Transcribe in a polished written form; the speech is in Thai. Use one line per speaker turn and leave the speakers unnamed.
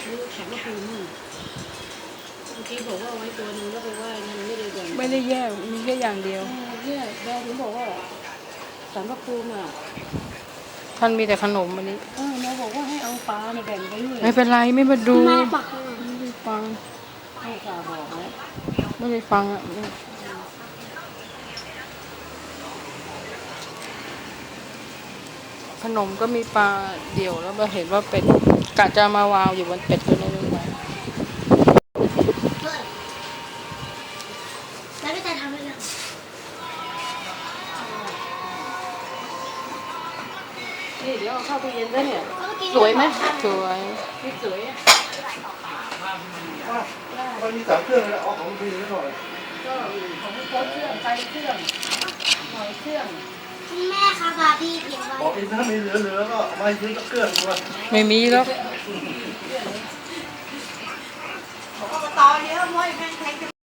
ดูแข็งก็คือมั่งเมื่อกี้บอกว่าไว้ตัวนึงแล้วไปไหว้นั่นไม่ได้แบ่ง
ไม่ได้แยกมีแค่อย่างเดียว
เนี่ยแม่ถึงบอกว่าสารพระภูมิอ่ะ
ท่านมีแต่ขนมอันนี้
แม่บอกว่าให้เอาปลาเนี่ยแบ่งไปด้วย
ไม่เป็นไรไม่มาดู
แม่ปัก
ไม่ได้ฟัง
ให้กาบอกแล้ว
ไม่ได้ฟังอ่ะขนมก็มีปลาเดี่ยวแล้วมาเห็นว่าเป็ดกะจะมาวางอยู่บนเป็ดตัวนี้ด้วย
แล้วพี่แต่ทำอะไรอ่ะ
นี่เดี๋ยวเอาเข้าตู้เย็นได้เนี่ย
สวยไหมสวย
นี่สวย
มันมี3 เครื่องแล้วเอาของพี่นิดหน่อย
ก็ของโค้ดเครื่องไฟเครื่องหอยเครื่อง
แม่ค่ะบาร์บี้เก็บไว้
บอกอีกถ้ามีเหลือก็เอามาซื้อเครื่องด้วย
ไม่มีแล้ว
ตอนนี้มวยแพง